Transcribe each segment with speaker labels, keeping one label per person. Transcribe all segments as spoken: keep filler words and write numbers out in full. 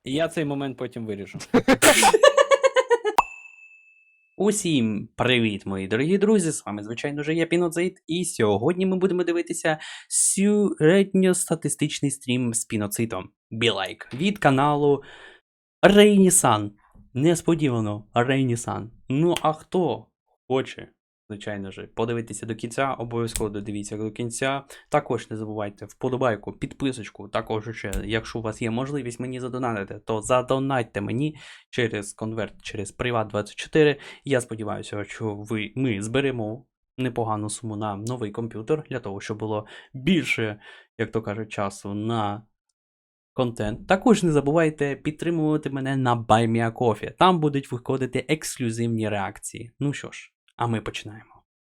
Speaker 1: І я цей момент потім виріжу.
Speaker 2: Усім привіт, мої дорогі друзі! З вами, звичайно ж, я Піноцид, і сьогодні ми будемо дивитися середньостатистичний стрім з Піноцитом Білайк від каналу Рейнісан. Несподівано, Рейнісан. Ну а хто хоче, звичайно ж, подивитися до кінця, обов'язково додивіться до кінця. Також не забувайте вподобайку, підписочку. Також ще, якщо у вас є можливість мені задонатити, то задонатьте мені через конверт, через Приват двадцять чотири. Я сподіваюся, що ви, ми зберемо непогану суму на новий комп'ютер, для того, щоб було більше, як то кажуть, часу на контент. Також не забувайте підтримувати мене на BuyMeACoffee. Там будуть виходити ексклюзивні реакції. Ну що ж, а ми починаємо.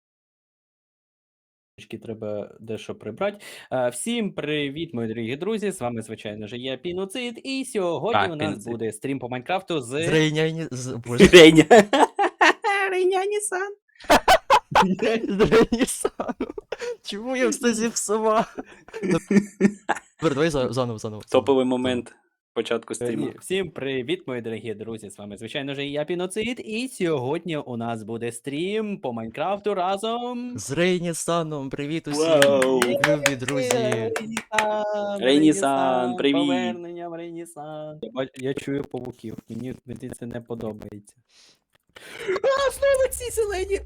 Speaker 1: Треба дещо прибрати. А, всім привіт, мої дорогі друзі! З вами, звичайно ж, я Піноцид, і сьогодні
Speaker 2: Так,
Speaker 1: у нас
Speaker 2: Піноцид.
Speaker 1: буде стрім по Майнкрафту з...
Speaker 3: З Рейняні... З... Боже.
Speaker 2: Реня. Рейняні-сан.
Speaker 3: З Рейнісану. Чому я все зіпсував? Тепер давай за- заново, заново.
Speaker 2: Топовий момент початку
Speaker 1: Ні,
Speaker 2: стріму.
Speaker 1: Всім привіт, мої дорогі друзі! З вами, звичайно ж, я Піноцид, і сьогодні у нас буде стрім по Майнкрафту разом...
Speaker 3: З Рейнісаном, привіт усім.
Speaker 2: Вау.
Speaker 3: Любі друзі.
Speaker 1: Рейнісан,
Speaker 2: Рейнісан, привіт.
Speaker 1: Поверненням, Рейнісан. Я, бач- я чую павуків, мені, мені це не подобається. А, знову ці зелені!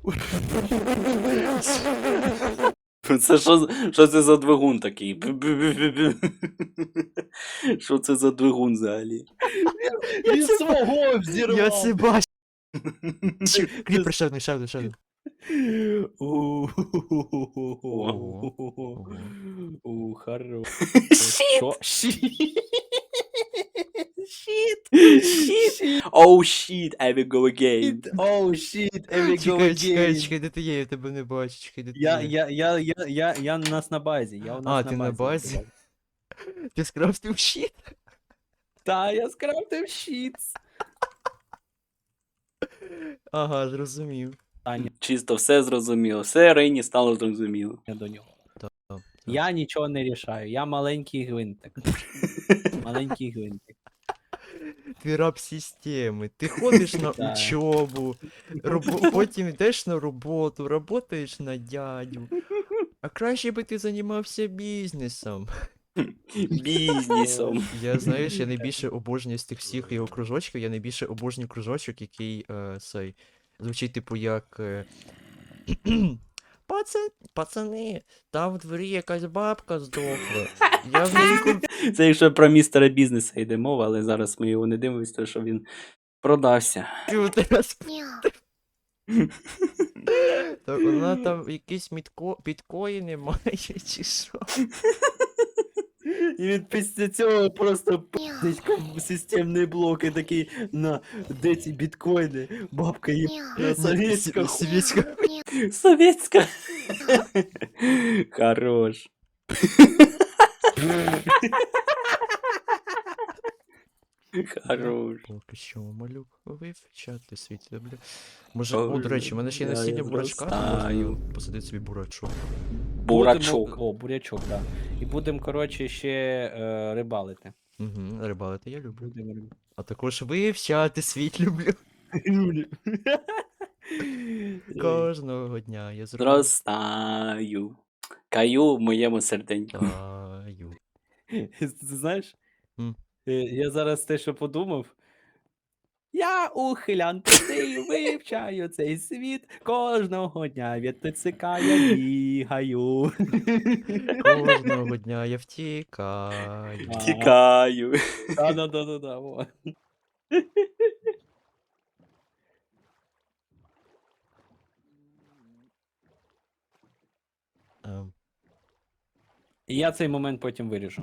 Speaker 2: Це що, що це за двигун такий? Що це за двигун взагалі?
Speaker 1: Він
Speaker 3: це-
Speaker 1: свого взірвав!
Speaker 3: Я це бачу. Кріпер, ще один, ще один, ще один.
Speaker 1: У, хорош.
Speaker 2: Щіт!
Speaker 1: Що?
Speaker 2: Щіт! Щіт! Оу, щіт, I will go again.
Speaker 1: Оу, щіт, every go
Speaker 3: Чекай, чекай,
Speaker 1: again.
Speaker 3: чекай, де ти є, я тебе не бачу, чекай, де ти
Speaker 1: Я,
Speaker 3: є.
Speaker 1: я, я, я, я, я у нас на базі, я у нас
Speaker 3: А,
Speaker 1: на
Speaker 3: ти
Speaker 1: базі.
Speaker 3: на базі? Ти скрафтив щит?
Speaker 1: Та, я скрафтив щит.
Speaker 3: Ага, зрозумів.
Speaker 1: Таня,
Speaker 2: Чисто все зрозуміло. Все Рейні стало зрозуміло.
Speaker 1: я до нього.
Speaker 3: Так, так.
Speaker 1: Я нічого не рішаю, я маленький гвинтик. Маленький гвинтик.
Speaker 3: Ти раб системи, ти ходиш на
Speaker 1: Так.
Speaker 3: учобу, робо- потім йдеш на роботу, работаєш на дядю. А краще би ти займався бізнесом.
Speaker 2: Бізнесом.
Speaker 3: Я, знаєш, я найбільше обожнюю з тих всіх його кружочків, я найбільше обожнюю кружочок, який е, цей, звучить типу як. Е, Пацан, пацани, там в дворі якась бабка здохла. Я в неї куп-
Speaker 2: Це якщо про містера бізнеса йде мова, але зараз ми його не дивимося, тому що він продався.
Speaker 3: комп'ютер. Так вона там якісь мітко... біткоїни має, чи що?
Speaker 1: І він після цього просто пиздить системний блок і такий, на, де ці біткоїни? Бабка є на совєтська.
Speaker 3: С- совєтська.
Speaker 2: Совєтська. Хорош. Хорош.
Speaker 3: Поки що малюк вивчати світ люблю. Може,
Speaker 2: Ой,
Speaker 3: о, до речі, в мене ще є
Speaker 2: я
Speaker 3: насіння бурачка, то
Speaker 2: зростаю.
Speaker 3: можна посадити собі бурачок.
Speaker 2: Бурачок.
Speaker 1: Будемо- О, бурячок, так. І будемо, коротше, ще е, рибалити.
Speaker 3: Угу, рибалити я люблю.
Speaker 1: Будемо рибалити.
Speaker 3: А також вивчати світ люблю. Кожного дня я зроблю.
Speaker 2: Зростаю. Каю в моєму серденьку.
Speaker 3: Таю.
Speaker 1: Ти знаєш,
Speaker 3: М.
Speaker 1: е, я зараз те, що подумав. Я ухилян простий, вивчаю цей світ. Кожного дня від ТЦК я бігаю.
Speaker 3: Кожного дня я втікаю.
Speaker 1: Ага.
Speaker 2: Тікаю.
Speaker 1: Да-да-да-да-да. во.
Speaker 3: Ем,
Speaker 1: І я цей момент потім виріжу.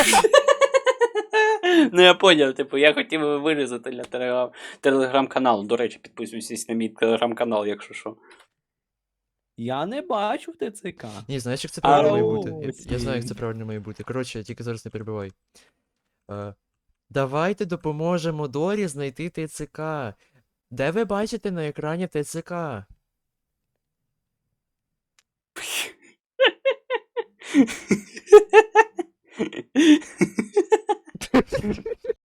Speaker 2: Ну я поняв, типу, я хотів би вирізати для телеграм- телеграм-каналу. До речі, підписуйтесь на мій телеграм-канал, якщо що.
Speaker 1: Я не бачу в ТЦК.
Speaker 3: Ні, знаєш, як це правильно має
Speaker 1: Ау,
Speaker 3: бути? Я, я знаю, як це
Speaker 1: ці.
Speaker 3: правильно має бути. Коротше, тільки зараз не перебивай. Е, давайте допоможемо Дорі знайти ТЦК. Де ви бачите на екрані ТЦК?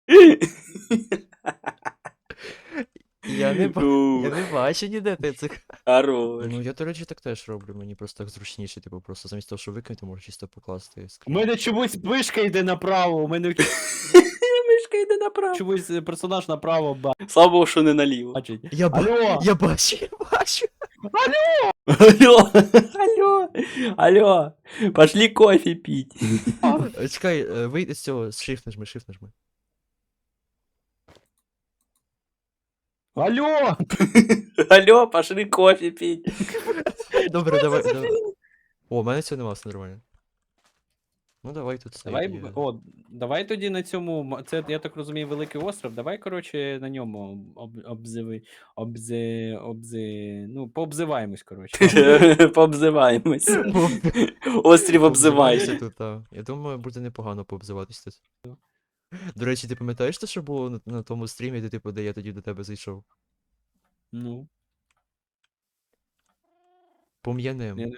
Speaker 3: Я не, ба... я
Speaker 2: Ух,
Speaker 3: не бачу ніде ТЦК.
Speaker 2: Хорош.
Speaker 3: Ну, я, до речі, так теж роблю, мені просто так зручніше, типу, просто замість того, що викинути, можу чисто покласти.
Speaker 1: У
Speaker 3: скрін.
Speaker 1: мене чомусь вишка йде направо, у мене
Speaker 2: Мишка йде направо.
Speaker 1: чомусь е, персонаж направо
Speaker 2: Слава Богу, що не наліво.
Speaker 1: бачить.
Speaker 3: Я, ба...
Speaker 1: Алло!
Speaker 3: я бачу, я бачу.
Speaker 2: Алло, алло, алло, пошли кофе пить.
Speaker 3: Е, Чекай, е, вийди з цього, shift нажми, shift нажми.
Speaker 1: Алло!
Speaker 2: Алло, пошли кофе пить.
Speaker 3: Добре, давай, давай. О, у мене цього нема, все нормально. Ну давай тут цей.
Speaker 1: Давай,
Speaker 3: є.
Speaker 1: б- о, давай тоді на цьому, м- це, я так розумію, великий остров, давай, коротше, на ньому об, обзиви, обзи, обзи, ну, пообзиваємось, коротше.
Speaker 2: Пообзиваємось. Острів
Speaker 3: Пообзивайся
Speaker 2: обзивайся.
Speaker 3: тут, та. Я думаю, буде непогано пообзиватись тут. До речі, ти пам'ятаєш те, що було на, на тому стрімі, де типу, де я тоді до тебе зайшов?
Speaker 1: Ну,
Speaker 3: Пом'янем.
Speaker 1: я не-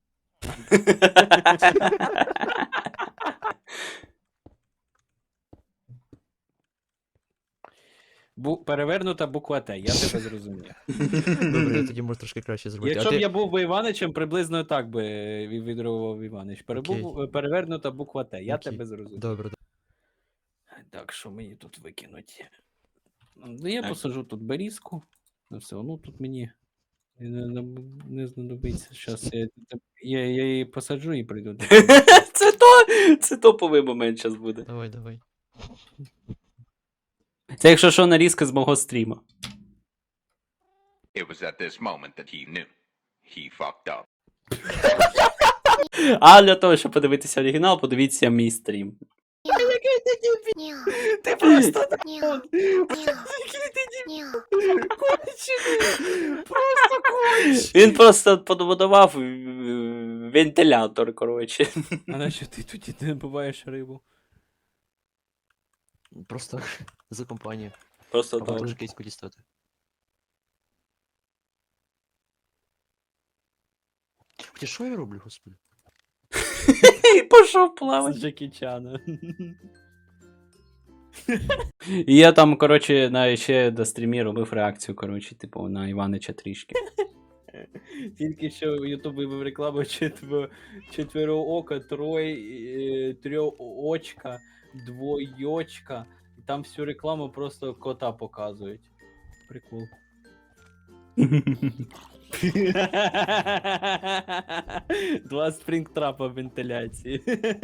Speaker 1: Бу, перевернута буква Т, я тебе зрозумів.
Speaker 3: Добре, я тоді можу трошки краще зробити.
Speaker 1: Якщо
Speaker 3: а
Speaker 1: б
Speaker 3: ти...
Speaker 1: я був би Іваничем, приблизно так би е, відреагував Іванич. Перебув, е, перевернута буква Т, я
Speaker 3: Окей.
Speaker 1: тебе зрозумів.
Speaker 3: Добре, добре.
Speaker 1: Так, що мені тут викинуть? Ну, я
Speaker 2: Так.
Speaker 1: посажу тут берізку. Ну все, ну тут мені не, не, не знадобиться. Зараз я, я, я її посаджу і прийду. до тебе.
Speaker 2: Це то, це топовий момент зараз буде.
Speaker 3: Давай, давай.
Speaker 2: Це якщо що нарізка з мого стріма.
Speaker 4: It was at this moment that he knew. He fucked up.
Speaker 2: А для того, щоб подивитися оригінал, подивіться мій стрім.
Speaker 1: Ти просто
Speaker 5: Няу.
Speaker 1: просто конч!
Speaker 2: Він просто подбудував е, вентилятор, коротше.
Speaker 1: А на що ти тоді не буваєш рибу?
Speaker 3: Просто за компанію.
Speaker 2: Просто
Speaker 3: Або
Speaker 2: так.
Speaker 3: теж киську дістати. Хоча що я роблю, господи?
Speaker 2: І пішов
Speaker 1: З
Speaker 2: плавати.
Speaker 1: Джекі Чана.
Speaker 2: І я там, коротше, на ще до стрімі робив реакцію, коротше, типу, на Іванича трішки.
Speaker 1: Тільки що Ютуб вивів рекламу четверо, четвероока, трой, е, трьохочка, двойочка. І там всю рекламу просто кота показують. Прикол. Два спрінгтрапа вентиляції.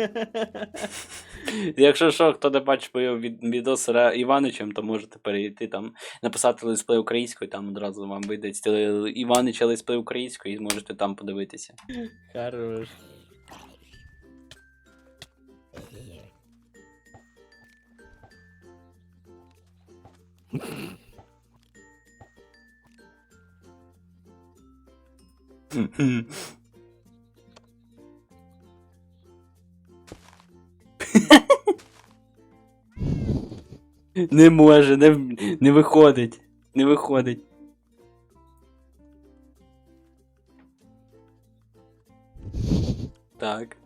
Speaker 2: Якщо що, хто не бачив мою від- відос з Ра- Іваничем, то можете перейти там, написати летсплей українською, там одразу вам вийде стіл- Іванича летсплей українською і зможете там подивитися.
Speaker 1: Хорош.
Speaker 2: Не може, не, в- не виходить. Не виходить. Так.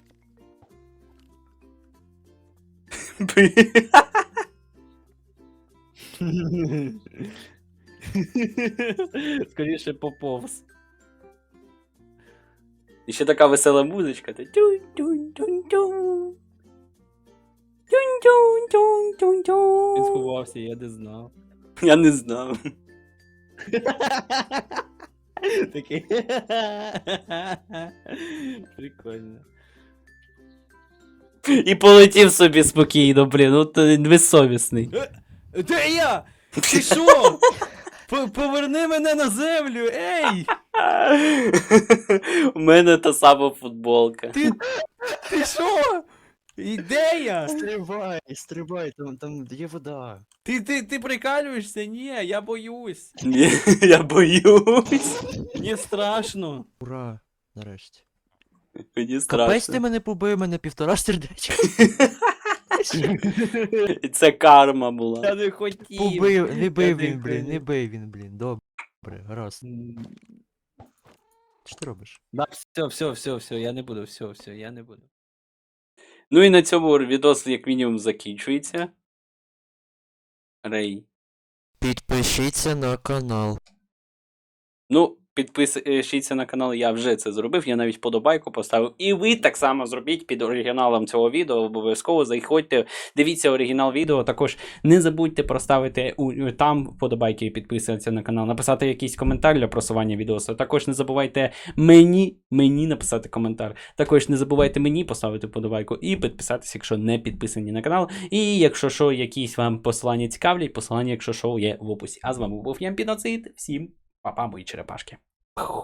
Speaker 1: Скоріше поповз.
Speaker 2: І ще така весела музичка. та тюнь-тюнь-тюнь-тюнь. Тюнь-тюнь-тюнь-тюнь-тюнь.
Speaker 1: Він сховався, я не знав.
Speaker 2: Я не знав.
Speaker 1: Такий. Прикольно.
Speaker 2: І полетів собі спокійно, блін, ну ти безсовісний.
Speaker 1: Де я? Ти що? П- Поверни мене на землю, ей!
Speaker 2: У мене та сама футболка.
Speaker 1: Ти, ти що? І де я?
Speaker 3: Стрибай, стрибай, там, там є вода.
Speaker 1: Ти, ти, ти прикалюєшся? Ні, я боюсь.
Speaker 2: Ні, я боюсь.
Speaker 1: Мені страшно.
Speaker 3: Ура, нарешті.
Speaker 2: Мені
Speaker 3: Капець
Speaker 2: страшно.
Speaker 3: ти мене побив, мене півтора сердечка.
Speaker 2: І це карма була.
Speaker 1: Я не хотів.
Speaker 3: Побив, не бив
Speaker 1: не
Speaker 3: він, блін, не
Speaker 1: хотів.
Speaker 3: бив він, блін. Добре, гаразд.
Speaker 1: М,
Speaker 3: Що ти робиш?
Speaker 1: Да, все, все, все, все, я не буду, все, все, я не буду.
Speaker 2: Ну і на цьому відос як мінімум закінчується. Рей.
Speaker 3: Підпишіться на канал.
Speaker 2: Ну, підпишіться на канал, я вже це зробив, я навіть подобайку поставив. І ви так само зробіть під оригіналом цього відео, обов'язково заходьте, дивіться оригінал відео, також не забудьте проставити у, там вподобайки і підписатися на канал, написати якийсь коментар для просування відео. Також не забувайте мені, мені написати коментар. Також не забувайте мені поставити вподобайку і підписатися, якщо не підписані на канал. І якщо що, якісь вам посилання цікавлять, посилання, якщо що, є в описі. А з вами був Ямпіноцид, всім па-па, мої черепашки.